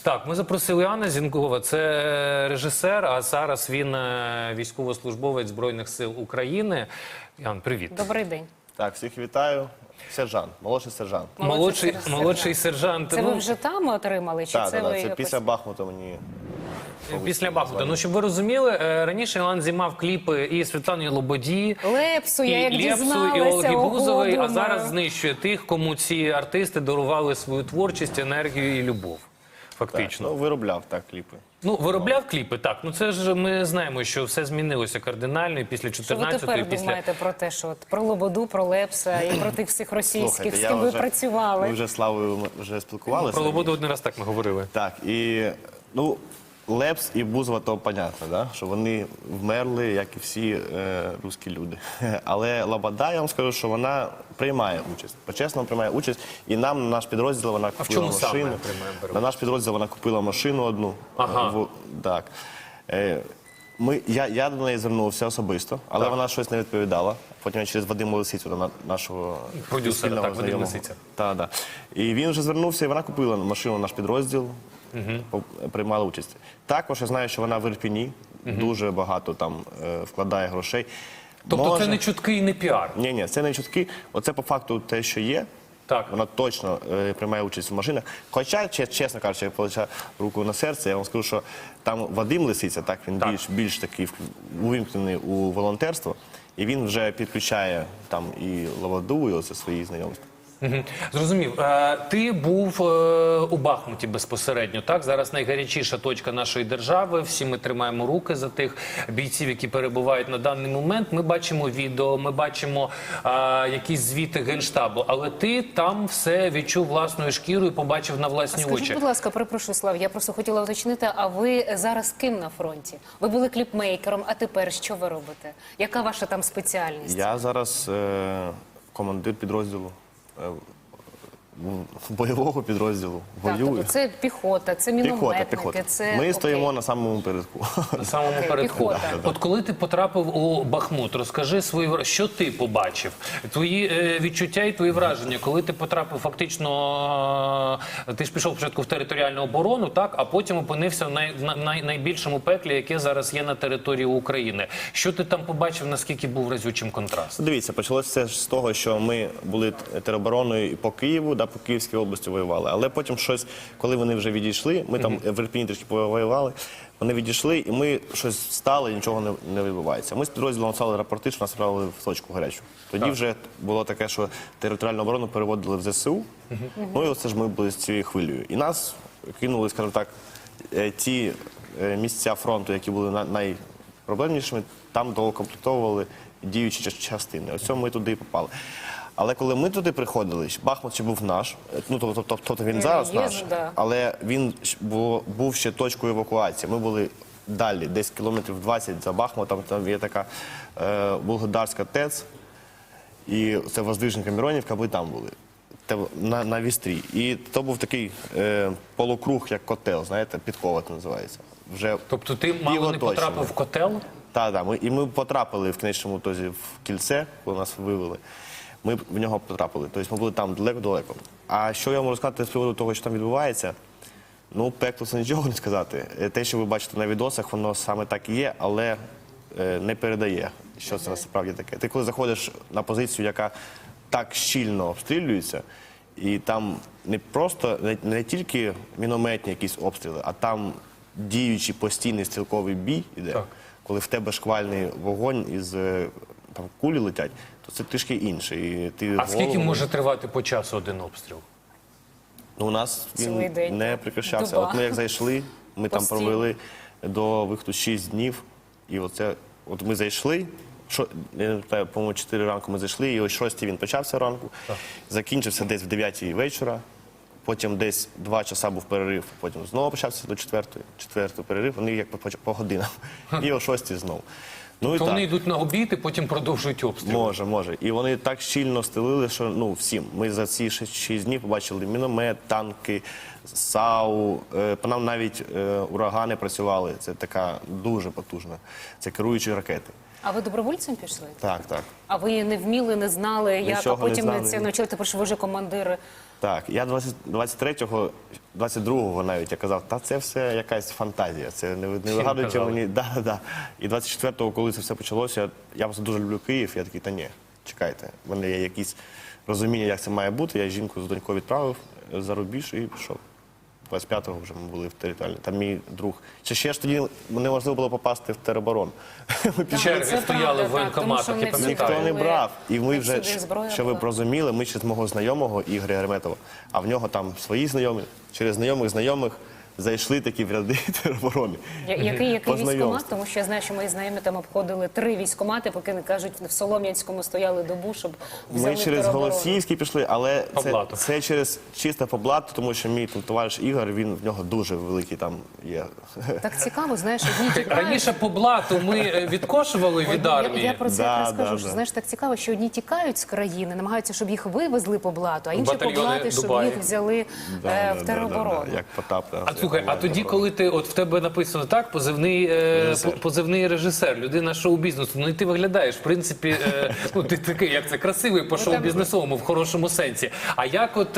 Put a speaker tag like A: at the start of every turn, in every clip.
A: Так, ми запросили Анна Зінкова, це режисер, а зараз він військовослужбовець Збройних сил України. Ян, привіт.
B: Добрий день.
C: Так, всіх вітаю. Сержант, молодший сержант.
A: Молодший сержант.
B: Це ви вже там отримали? Чи
C: Так,
B: це ви
C: це
B: якось...
C: після Бахмута мені...
A: Після Бахмута. Ну, щоб ви розуміли, раніше Іван знімав кліпи і Світлани Лободі,
B: Лепсу, я як
A: і Лепсу,
B: дізналася.
A: і Ольги
B: ого,
A: Бузової, а
B: думаю.
A: зараз знищує тих, кому ці артисти дарували свою творчість, енергію і любов. Фактично.
C: Ну, виробляв так кліпи.
A: Ну, виробляв кліпи, так. Ну, це ж ми знаємо, що все змінилося кардинально і після 14-ї.
B: Що ви тепер думаєте про те, що от, про Лободу, про Лепса і про тих всіх російських, з ким ви працювали?
C: Ми вже з Славою вже спілкувалися.
A: Про Лободу один раз так ми говорили.
C: Так, і, ну, Лепс і Бузова, то понятно, да? Що вони вмерли, як і всі русські люди. Але Лобода, я вам скажу, що вона приймає участь. По-чесному приймає участь. І нам, на наш підрозділ, вона купила машину.
A: Приймає?
C: На наш підрозділ вона купила машину одну.
A: Ага.
C: Так. Я до неї звернувся особисто, але вона щось не відповідала. Потім я через Вадима Лисицю, до нашого
A: продюсера,
C: спільного
A: так, Вадим
C: знайомого.
A: Лисиця.
C: Так. І він вже звернувся, і вона купила машину наш підрозділ, приймала участь. Також я знаю, що вона в Ірпіні, дуже багато там вкладає грошей.
A: Тобто це не чутки і не піар?
C: Ні, це не чутки. Оце по факту те, що є.
A: Так.
C: Вона точно приймає участь в машинах. Хоча, чесно кажучи, я положив руку на серце, я вам скажу, що там Вадим Лисиця, так, він більш такий увімкнений у волонтерство, і він вже підключає там і Лободу, і оце свої знайомства.
A: Зрозумів. Ти був у Бахмуті безпосередньо, так? Зараз найгарячіша точка нашої держави. Всі ми тримаємо руки за тих бійців, які перебувають на даний момент. Ми бачимо відео, ми бачимо якісь звіти Генштабу. Але ти там все відчув власною шкірою і побачив на власні очі.
B: Скажіть, будь ласка, перепрошую, Слав, я просто хотіла уточнити, а ви зараз ким на фронті? Ви були кліпмейкером, а тепер що ви робите? Яка ваша там спеціальність?
C: Я зараз командир підрозділу. Бойового підрозділу, воюю.
B: Тобто це піхота, це мінометники,
C: піхота.
B: це...
C: Ми стоїмо на самому передку.
A: На самому передку.
B: Піхота.
A: От коли ти потрапив у Бахмут, розкажи що ти побачив? Твої відчуття і твої враження, коли ти потрапив фактично, ти ж пішов спочатку в територіальну оборону, так, а потім опинився в найбільшому пеклі, яке зараз є на території України. Що ти там побачив, наскільки був разючим контраст?
C: Дивіться, почалося з того, що ми були теробороною і по Києву, по Київській області воювали. Але потім щось, коли вони вже відійшли, ми там в Ірпіні трішки повоювали, вони відійшли, і ми щось встали, і нічого не відбувається. Ми з підрозділом написали рапорти, що нас відправили в точку гарячу. Тоді вже було таке, що територіальну оборону переводили в ЗСУ, ну і оце ж ми були з цією хвилею. І нас кинули, скажімо так, ті місця фронту, які були найпроблемнішими, там доукомплектовували діючі частини. Ось ми туди і попали. Але коли ми туди приходили, Бахмут ще був наш, ну тобто він зараз наш, але він був ще точкою евакуації. Ми були далі, десь кілометрів 20 за Бахмутом, там є така Волгодарська ТЕЦ, і це Воздвиженка, Миронівка, ми там були, на Вістрі. І то був такий полукруг, як котел, знаєте, підкова це називається.
A: Тобто ти мало не потрапив в котел?
C: Так, і ми потрапили в кінечному ітозі в кільце, коли нас вивели. Ми в нього потрапили. Тобто ми були там далеко-далеко. А що я можу сказати з приводу того, що там відбувається? Ну, пекло це нічого не сказати. Те, що ви бачите на відосах, воно саме так і є, але не передає, що це насправді таке. Ти коли заходиш на позицію, яка так щільно обстрілюється, і там не просто, не тільки мінометні якісь обстріли, а там діючий постійний стрілковий бій іде, коли в тебе шквальний вогонь із там кулі летять, то це трішки інше.
A: А скільки може тривати по часу один обстріл?
C: Ну, у нас він не прекращався. От ми як зайшли, ми там провели до виходу 6 днів, і от ми зайшли, по-моєму, 4 ранку ми зайшли, і о 6 він почався ранку, закінчився десь в 9 вечора, потім десь 2 часа був перерив, потім знову почався до 4-ї перерив, вони як по годинам, і о 6 знову. Ну,
A: то вони йдуть на обід і потім продовжують обстріл.
C: Може. І вони так щільно стелили, що всім. Ми за ці 6 днів побачили міномет, танки, САУ. По нам навіть урагани працювали. Це така дуже потужна. Це керуючі ракети.
B: А ви добровольцем пішли?
C: Так.
B: А ви не вміли, не знали, як, а потім це навчили, тепер що ви вже командир
C: Так, я 23-го, 22-го навіть я казав, та це все якась фантазія, це не вигадуйте
A: казали?
C: мені. Да. І 24-го, коли це все почалося, я просто дуже люблю Київ, я такий, та ні, чекайте, в мене є якісь розуміння, як це має бути, я жінку з донькою відправив за рубіж і пішов. 25-го вже ми були в територіальній. Там мій друг. Ще ж тоді неможливо було попасти в тероборон. Ми пішли.
A: Черги
B: це
A: стояли в
B: правда, так, тому що
A: воєнкоматах,
B: не
A: я
B: всі
A: пам'ятаю.
C: Ніхто не
B: були-
C: брав. І ми
B: не
C: вже,
B: всюди зброя
C: що ви б
B: була.
C: розуміли, ми через мого знайомого Ігоря Герметова, а в нього там свої знайомі, через знайомих зайшли такі в ряди тероборони.
B: Який
C: По
B: військкомат?
C: знайомству.
B: Тому що я знаю, що мої знайомі там обходили 3 військкомати, поки не кажуть, в Солом'янському стояли добу, щоб взяли
C: Ми через
B: тероборону.
C: Голосіївський пішли, але
A: По
C: це,
A: блату.
C: це через чисто по блату, тому що мій там товариш Ігор, він в нього дуже великий там є.
B: Так цікаво, знаєш, одні тікають.
A: Раніше по блату ми відкошували від
B: Я
A: армії.
B: про це
C: Да,
B: якраз кажу,
C: да,
B: що
C: да.
B: знаєш, так цікаво, що одні тікають з країни, намагаються, щоб їх вивезли по блату, а інші по
A: Батальйони
B: блату, щоб
A: Дубаї.
B: їх взяли в тероборону.
C: Як Потап.
A: А слухай, а тоді, коли ти, от в тебе написано так, позивний режисер, людина шоу-бізнесу, ну і ти виглядаєш, в принципі, ну ти такий, як це, красивий по шоу-бізнесовому, в хорошому сенсі. А як от,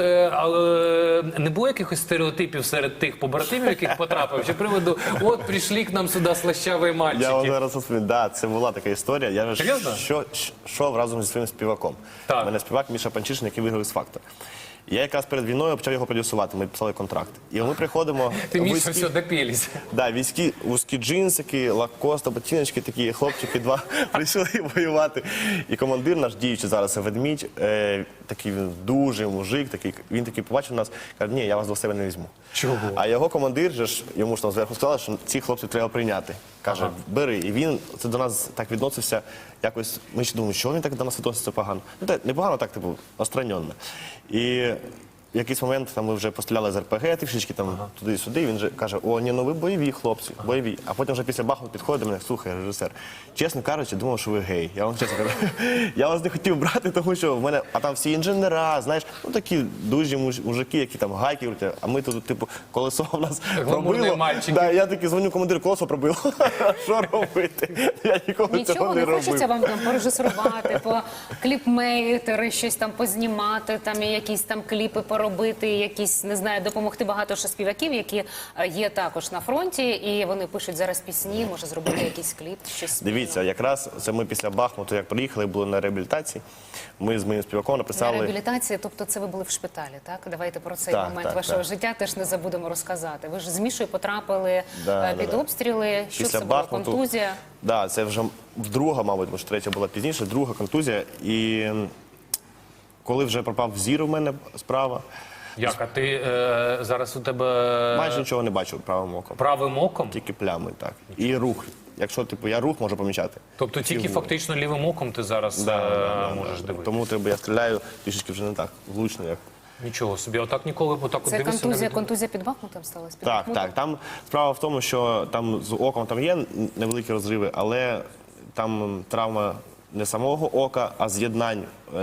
A: не було якихось стереотипів серед тих побратимів, яких потрапив, чи приводу, от, прийшли к нам сюди слащаві
C: Я вам
A: мальчики?
C: зараз розповім. Да, це була така історія. Я ж
A: Серйозно?
C: йшов разом зі своїм співаком.
A: Так.
C: У мене співак Міша Панчишин, який виграв «Х-фактор». Я якраз перед війною почав його продюсувати, ми підписали контракт. І ми приходимо...
A: Ти Міша,
C: вузькі-
A: все, допілись.
C: Да, вузькі джинсики, лакоста, ботиночки такі, хлопчики два прийшли воювати. І командир наш, діючий зараз ведмідь, такий він дуже мужик, такий, він такий побачив нас, каже, ні, я вас до себе не візьму.
A: Чого?
C: А його командир же ж, йому ж там зверху сказали, що ці хлопців треба прийняти. Каже, бери. І він це до нас так відносився, якось, ми ще думали, що він так до нас відноситься погано. Ну, так, не погано, так, типу, остраньонно. І в якийсь момент там ми вже постріляли з РПГ, трішечки там туди-сюди, і він же каже, о, ні, ну ви бойові хлопці, бойові. А потім вже після Бахмуту підходить до мене, слухай, режисер, чесно кажучи, думав, що ви гей. Я вам чесно кажу, я вас не хотів брати, тому що в мене, а там всі інженера, знаєш, ну такі дуже мужики, які там гайки крутять, а ми тут, типу, колесо в нас
A: Гламурні
C: пробило.
A: мальчики.
C: Да, я такий дзвоню командиру, колесо пробило. Що робити? Я ніколи цього
B: Нічого
C: не
B: не
C: робив.
B: хочеться вам там порежисувати, кліпмейкери, щось там познімати, там і якісь там кліпи поробити, якісь, не знаю, допомогти багато ще співаків, які є також на фронті, і вони пишуть зараз пісні, може зробити якийсь кліп, щось спільно.
C: Дивіться, якраз це ми після Бахмуту, як приїхали, були на реабілітації. Ми з моїм співаком
B: На
C: написали.
B: реабілітації, тобто це ви були в шпиталі, так? Давайте про цей
C: Так,
B: момент
C: так,
B: вашого
C: так.
B: життя теж не забудемо розказати. Ви ж з Мішою потрапили
C: Да,
B: під
C: да.
B: обстріли, що
C: Після
B: це було,
C: Бахмуту.
B: контузія?
C: Да, це вже друга, мабуть, може третя була пізніше, друга контузія. І коли вже пропав зір у мене справа,
A: Як, а ти зараз у тебе
C: майже нічого не бачив правим оком.
A: правим оком?
C: Тільки плями, так. І рух. Якщо типу я рух можу помічати.
A: Тобто тільки
C: Фігуру.
A: фактично лівим оком ти зараз можеш дивитися?
C: Тому треба, я стріляю трішечки вже не так влучно, як.
A: Нічого собі, отак ніколи отак от
B: Це
A: дивишся на
B: контузія під Бахмутом сталася? Під
C: Так,
B: Бахмутом?
C: так. Там справа в тому, що там з оком там є невеликі розриви, але там травма не самого ока, а з'єднань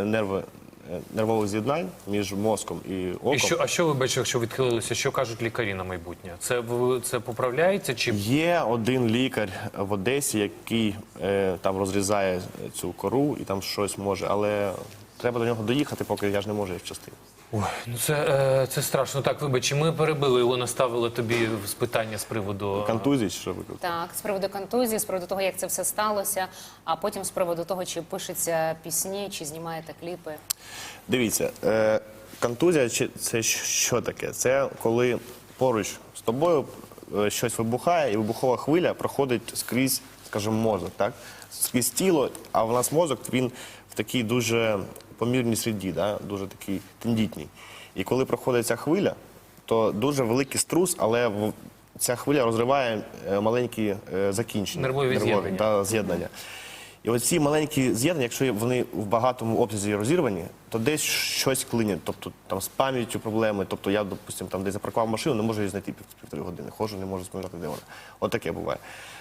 C: нервових з'єднань між мозком і оком.
A: А що ви бачите, якщо відхилилися? Що кажуть лікарі на майбутнє? Це поправляється чи
C: Є один лікар в Одесі, який там розрізає цю кору і там щось може, але треба до нього доїхати, поки я ж не можу їх вчасти.
A: Ой, ну це страшно. Так, вибач, ми перебили його, наставили тобі з питання з приводу
C: Контузії, чи що ви кажете?
B: Так, з приводу контузії, з приводу того, як це все сталося, а потім з приводу того, чи пишеться пісні, чи знімаєте кліпи.
C: Дивіться, контузія це що таке? Це коли поруч з тобою щось вибухає, і вибухова хвиля проходить скрізь, скажімо, мозок, так? Скрізь тіло, а в нас мозок, він в такій дуже помірній середі, да? Дуже такий тендітній. І коли проходить ця хвиля, то дуже великий струс, але ця хвиля розриває маленькі закінчення.
A: Нервові з'єднання.
C: Да, з'єднання. І оці маленькі з'єднання, якщо вони в багатому обсязі розірвані, то десь щось клинять, тобто там з пам'яттю проблеми. Тобто я, допустим, там десь запаркував машину, не можу її знайти півтори години, ходжу, не можу споминати, де вона. От таке буває.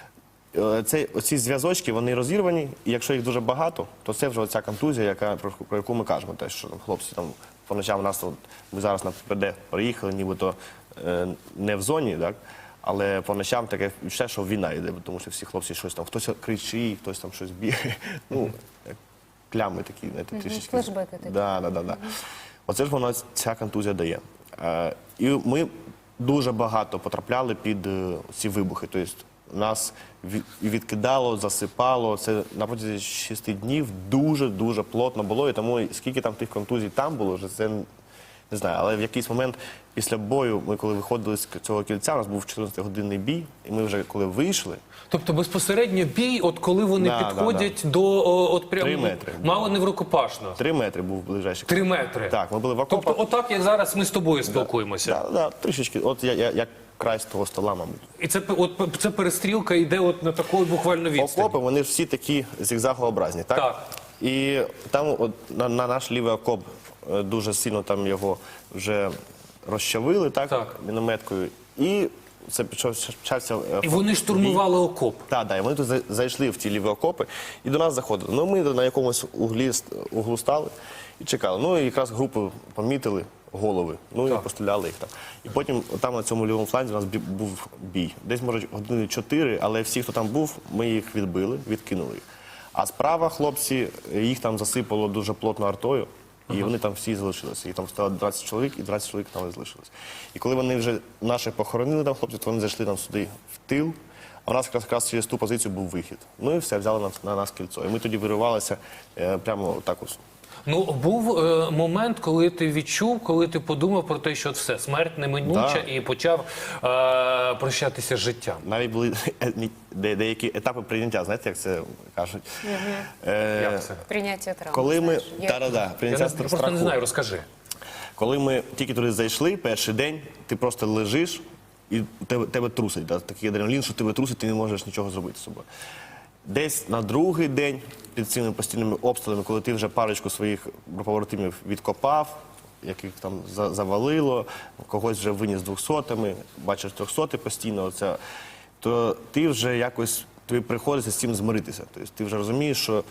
C: Оці зв'язочки, вони розірвані, і якщо їх дуже багато, то це вже оця контузія, про яку ми кажемо. Те, що хлопці там по ночам у нас, ми зараз на ППД приїхали, нібито не в зоні, так? Але по ночам таке відчуття, що війна йде, тому що всі хлопці щось там, хтось кричить, хтось там щось бігає. Ну, як плями такі, знаєте, трішечки.
B: флешбеки такі.
C: Да. Оце ж вона, ця контузія дає. І ми дуже багато потрапляли під ці вибухи. Тобто нас відкидало, засипало. Це на протязі 6 днів дуже-дуже плотно було. І тому скільки там тих контузій там було, вже це не знаю. Але в якийсь момент після бою, ми коли виходили з цього кільця, у нас був 14-годинний бій, і ми вже коли вийшли,
A: Тобто безпосередньо бій, от коли вони
C: Да,
A: підходять до от прямо
C: 3 метри.
A: мало не в рукопашно.
C: 3 метри був ближайший.
A: 3 метри.
C: Так, ми були в окопах.
A: Тобто, отак, як зараз ми з тобою спілкуємося.
C: Да, трішечки, от як край з того стола, мабуть.
A: І це перестрілка йде от на такої буквально відстані.
C: Окопи, вони ж всі такі зігзагообразні, так?
A: Так.
C: І там от, на наш лівий окоп дуже сильно там його вже розчавили, так, мінометкою. І це почався...
A: І вони штурмували окоп.
C: Так, і вони тут зайшли в ті ліві окопи і до нас заходили. Ну, ми на якомусь углу стали і чекали. Ну, і якраз групу помітили, голови, ну і постріляли їх там. І потім там на цьому лівому фланзі у нас був бій. Десь, може, години 4, але всі, хто там був, ми їх відбили, відкинули їх. А справа хлопці, їх там засипало дуже плотно артою, і вони там всі залишилися. Їх там стало 20 чоловік, і 20 чоловік там залишилось. І коли вони вже наших похоронили там хлопців, то вони зайшли там сюди в тил, а у нас якраз через ту позицію був вихід. Ну і все, взяли на нас кільцо. І ми тоді виривалися прямо так ось.
A: Ну, був момент, коли ти відчув, коли ти подумав про те, що все, смерть неминуча, і почав прощатися з життям.
C: Навіть були деякі етапи прийняття, знаєте, як це кажуть?
A: Як це?
B: Прийняття травм.
C: Коли ми...
B: знаєш,
C: прийняття
A: Я просто
C: страху.
A: не знаю, розкажи.
C: Коли ми тільки туди зайшли, перший день, ти просто лежиш, і тебе трусить. Да? Такий адреналін, що тебе трусить, ти не можеш нічого зробити з собою. Десь на другий день, під цими постійними обстрілами, коли ти вже парочку своїх побратимів відкопав, яких там завалило, когось вже виніс 200-ми, бачиш 300-ті постійно, то ти вже якось, тобі приходиться з цим змиритися. Тобто ти вже розумієш, що,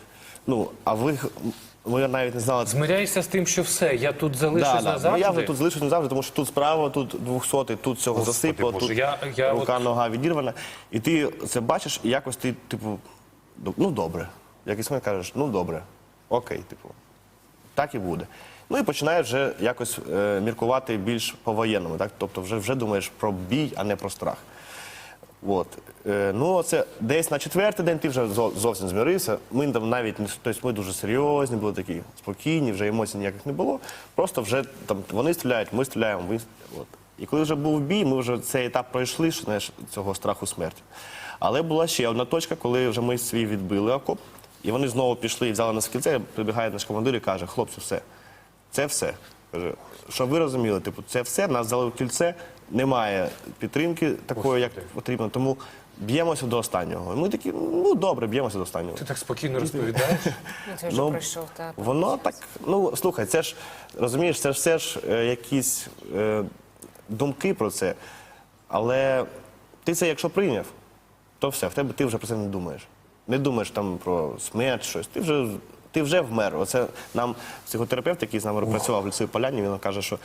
C: ми навіть не знали...
A: Змиряйся з тим, що все, я тут залишусь назавжди.
C: Я вже тут залишусь назавжди, тому що тут справа, тут 200-й, тут цього засипало,
A: Боже,
C: тут
A: я
C: рука, нога відірвана. І ти це бачиш, і якось ти, типу, ну добре. Якийсь момент кажеш, ну добре, окей, типу, так і буде. Ну і починаєш вже якось міркувати більш по-воєнному, так? Тобто вже думаєш про бій, а не про страх. От. Ну, це десь на 4-й день ти вже зовсім змірився. Ми там навіть, тобто ми дуже серйозні, були такі спокійні, вже емоцій ніяких не було. Просто вже там вони стріляють, ми стріляємо. От. І коли вже був бій, ми вже цей етап пройшли, що, знаєш, цього страху смерті. Але була ще одна точка, коли вже ми свій відбили окоп, і вони знову пішли і взяли нас в кільце, прибігає наш командир і каже, хлопці, все, це все. Каже, щоб ви розуміли, типу, це все, нас взяли в кільце, немає підтримки такої, як потрібно, тому б'ємося до останнього. І ми такі, ну добре, б'ємося до останнього.
A: Ти так спокійно розповідаєш.
B: Ну, ти вже пройшов, так.
C: Воно так, ну слухай, це ж, розумієш, це ж все ж якісь думки про це, але ти це якщо прийняв, то все, ти вже про це не думаєш. Не думаєш там про смерть, щось, ти вже вмер. Оце нам психотерапевт, який з нами працював в лісовій поляні, він каже, що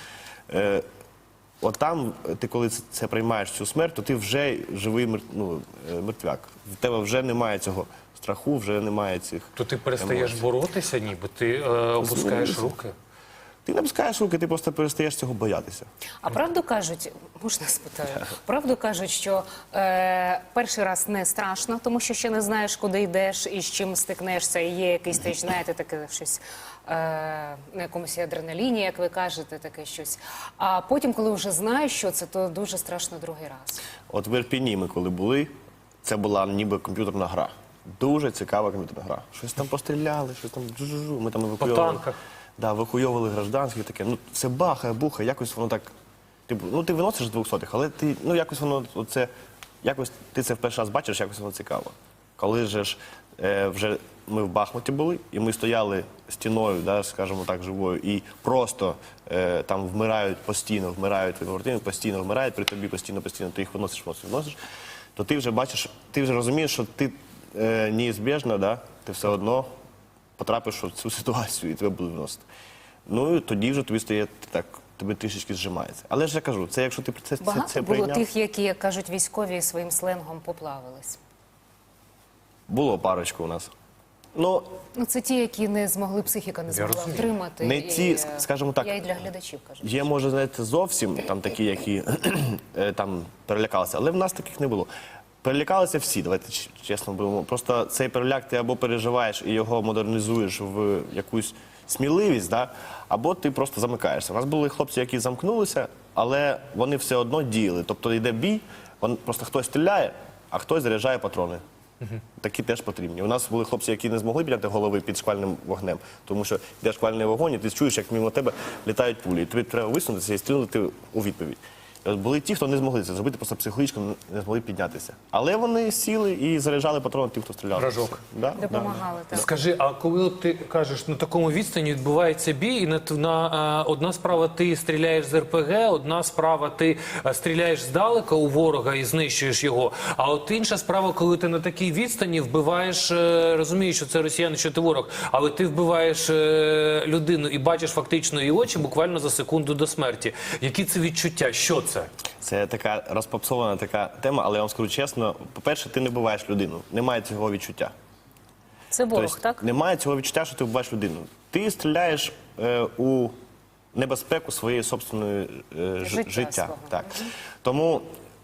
C: от там, ти коли це приймаєш цю смерть, то ти вже живий мертвяк. В тебе вже немає цього страху, вже немає цих
A: То ти перестаєш
C: емоцій.
A: боротися, ніби ти опускаєш руки.
C: Ти не опускаєш руки, ти просто перестаєш цього боятися.
B: А правду кажуть, можна спитаю, правду кажуть, що перший раз не страшно, тому що ще не знаєш, куди йдеш і з чим стикнешся, і є якийсь теж, знаєте, таке щось на якомусь адреналіні, як ви кажете, таке щось. А потім, коли вже знаєш, що це, то дуже страшно другий раз.
C: От в Ірпіні ми коли були, це була ніби комп'ютерна гра. Дуже цікава комп'ютерна гра. Щось там постріляли, щось там джу-жу-жу, ми там евакуйовували.
A: По танках.
C: Да, евакуйовували гражданських, таке. Ну, це бахає, бухає, якось воно так. Типу, ну ти виносиш 200-х, але ти, ну якось воно, оце, якось ти це в перший раз бачиш, якось воно цікаво. Коли ж вже ми в Бахмуті були, і ми стояли стіною, да, скажімо так, живою, і просто там вмирають постійно, вмирають побратими, постійно вмирають, при тобі постійно, ти їх виносиш, то ти вже бачиш, ти вже розумієш, що ти неізбіжно, да, ти все одно потрапиш в цю ситуацію і тебе будуть виносити. Ну і тоді вже тобі стає так, тобі трішечки зжимається. Але ж я кажу, це якщо ти це
B: Багато було
C: прийняв.
B: тих, які, як кажуть військові, своїм сленгом поплавились.
C: Було парочку у нас. Ну,
B: Ну, це ті, які не змогли, психіка не змогла
A: розумію.
B: втримати.
C: не
B: І,
C: ті, скажімо так,
B: Я і для глядачів кажу.
C: є, може, знаєте, зовсім там такі, які там перелякалися, але в нас таких не було. Перелякалися всі, давайте чесно будемо. Просто цей переляк ти або переживаєш і його модернізуєш в якусь сміливість, да? Або ти просто замикаєшся. У нас були хлопці, які замкнулися, але вони все одно діяли. Тобто йде бій, просто хтось стріляє, а хтось заряджає патрони. Такі теж потрібні. У нас були хлопці, які не змогли підняти голови під шквальним вогнем, тому що йде шквальний вогонь, і ти чуєш, як мимо тебе літають пулі. І тобі треба висунутися і стрілити у відповідь. І от були ті, хто не змогли це зробити, просто психологічно не змогли піднятися. Але вони сіли і заряджали патрони тих, хто стріляв.
A: Вражок.
C: Да,
B: Допомагали. Так.
A: Скажи, а коли от ти кажеш, на такому відстані відбувається бій, і одна справа ти стріляєш з РПГ, одна справа ти стріляєш здалека у ворога і знищуєш його, а от інша справа, коли ти на такій відстані вбиваєш, розумієш, що це росіяни, що ти ворог, але ти вбиваєш людину і бачиш фактично її очі буквально за секунду до смерті. Які це відчуття? Що це?
C: Це така розпопсована така тема, але я вам скажу чесно, по-перше, ти не вбиваєш людину, немає цього відчуття.
B: Це ворог,
C: Тобто,
B: так?
C: немає цього відчуття, що ти вбиваєш людину. Ти стріляєш у небезпеку своєї собственної життя.
B: свого.
C: Так. Тому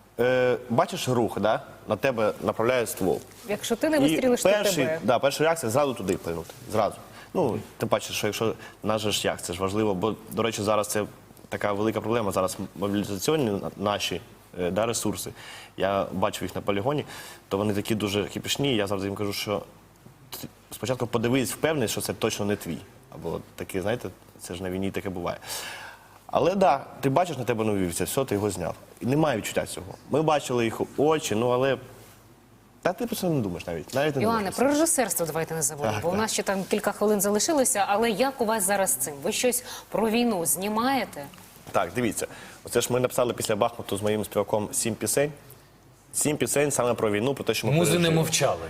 C: бачиш рух, да? На тебе направляють ствол.
B: Якщо ти не вистрілиш, то тебе.
C: Перша реакція зразу туди плинути. Зразу. Ну, тим паче, що якщо наш же шлях, це ж важливо, бо, до речі, зараз це така велика проблема. Зараз мобілізаційні наші ресурси. Я бачив їх на полігоні, то вони такі дуже кипішні. Я завжди їм кажу, що спочатку подивись, впевнений, що це точно не твій. Або таке, знаєте, це ж на війні таке буває. Але да, ти бачиш, на тебе навівся, все, ти його зняв. І немає відчуття цього. Ми бачили їх очі, ну але та ти про це не думаєш навіть. Навіть не
B: Йоанне,
C: думаєш.
B: про режисерство давайте не забудемо, бо у нас ще там кілька хвилин залишилося, але як у вас зараз з цим? Ви щось про війну знімаєте?
C: Так, дивіться. Оце ж ми написали після Бахмуту з моїм співаком 7 пісень. 7 пісень саме про війну, про те, що ми
A: Музи не
C: пережили.
A: мовчали.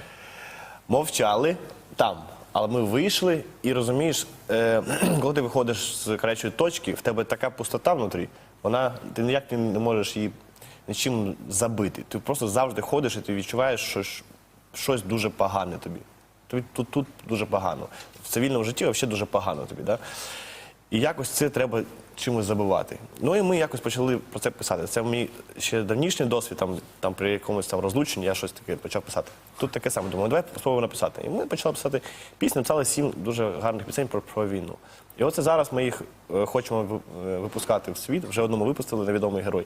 C: Мовчали там. Але ми вийшли і розумієш, коли ти виходиш з гарячої точки, в тебе така пустота внутрі, ти ніяк не можеш її нічим забити. Ти просто завжди ходиш і ти відчуваєш, що щось дуже погане тобі. Тобі тут дуже погано. В цивільному житті взагалі дуже погано тобі. Да? І якось це треба чимось забивати. Ну і ми якось почали про це писати. Це мій ще давнішній досвід, там при якомусь там розлученні я щось таке почав писати. Тут таке саме, думаю, давай спробуємо написати. І ми почали писати пісні, написали 7 дуже гарних пісень про війну. І оце зараз ми їх хочемо випускати в світ, вже одному випустили «Невідомий герой».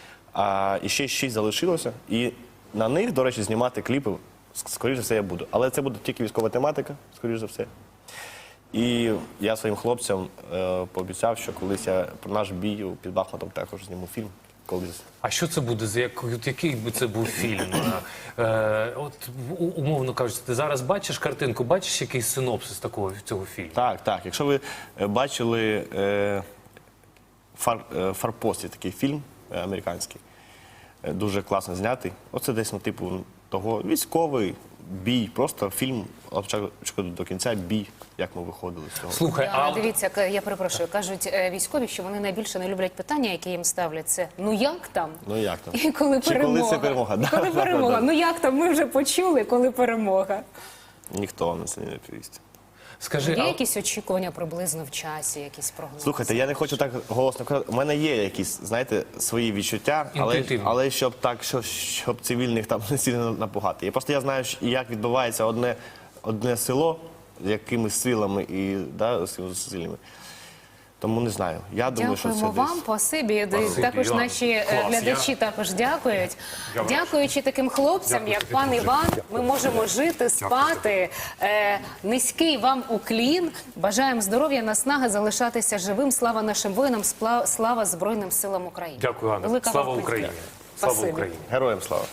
C: А і ще 6 залишилося, і на них, до речі, знімати кліпи, скоріш за все, я буду. Але це буде тільки військова тематика, скоріш за все. І я своїм хлопцям пообіцяв, що колись я про наш бій під Бахмутом також зніму фільм. Колись.
A: А що це буде? Який би це був фільм? Умовно кажучи, ти зараз бачиш картинку, бачиш якийсь синопсис цього фільму?
C: Так. Якщо ви бачили «Форпост», є такий фільм американський, дуже класно знятий. Оце десь, типу, того військовий бій, просто фільм від початку до кінця, бій, як ми виходили з цього.
A: Слухай,
B: Дивіться, я перепрошую, кажуть військові, що вони найбільше не люблять питання, які їм ставлять. Це «ну як там?»
C: Ну як там?
B: І коли
C: Чи
B: перемога.
C: коли це перемога?
B: І коли перемога. Ну як там? Ми вже почули, коли перемога.
C: Ніхто вам на це не відповість.
A: скажи,
B: Є якісь очікування приблизно в часі, якісь прогнози?
C: Слухайте, я не хочу так голосно казати. У мене є якісь, знаєте, свої відчуття, але щоб щоб цивільних там не сильно напугати. Я знаю, як відбувається одне село з якимись силами і з сильними. Тому не знаю. Я думаю, що це
B: Дякуємо вам,
C: десь.
B: спасибі.
A: Спасибі,
B: Також
A: Іван.
B: наші
A: Клас,
B: глядачі також дякують. Дякуючи таким хлопцям, як пан Іван, ми можемо жити, спати. Низький вам уклін. Бажаємо здоров'я, наснаги, залишатися живим. Слава нашим воїнам, слава Збройним силам України.
A: Дякую, Анна.
B: Велика
A: Слава
B: вам
A: Україні.
B: подяка.
A: Слава
B: Спасибі.
A: Україні.
C: Героям слава.